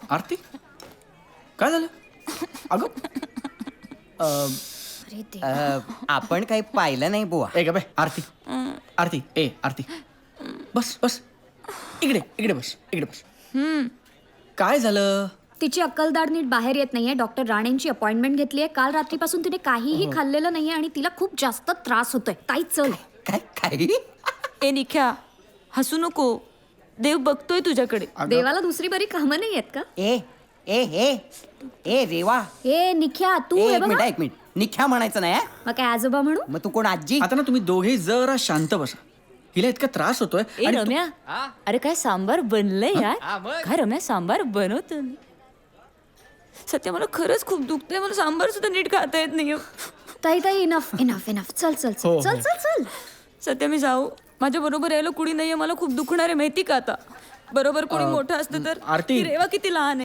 आरती काय झालं अगं अरे देवा. आपण काही पाहिलं नाही बुवा. ए ग आरती आरती ए आरती बस बस इकडे इकडे बस इकडे बस काय झालं तिची अक्कलदाढ नीट बाहेर येत नाहीये. डॉक्टर राणेंची अपॉइंटमेंट घेतलीये. काल रात्रीपासून तिने काहीही खाल्लेलं नाहीये आणि तिला खूप जास्त त्रास होतोय. ताई चल. काय काय ए निख्या हसू नको. देव बघतोय तुझ्याकडे. देवाला दुसरी बरी कामं नाही आहेत का? ए ए ए ए रेवा ए निख्या तू हे एक मिनिट बघा. एक मिनिट निख्या म्हणायचं नाही हं? मग काय आजोबा म्हणू? मग तू कोण आजी? आता ना तुम्ही दोघे जरा शांत बसा हिला इतका त्रास होतोय ए आणि तू- रम्या अरे काय सांबार बनलंय यार. काय रम्या सांबार बनवतो मी. सत्य मला खरंच खूप दुखतंय. मला सांबार सुद्धा नीट खाता येत नाही. ताई ताई इनफ इनफ इनफ चल चल हो, चल हो. चल चल चल. सत्य मी जाऊ. माझ्या बरोबर यायला कुणी नाहीये. मला खूप दुखणार आहे माहिती का आता. बरोबर कोणी मोठं असतं तर. आरती. ती रेवा किती लहान आहे.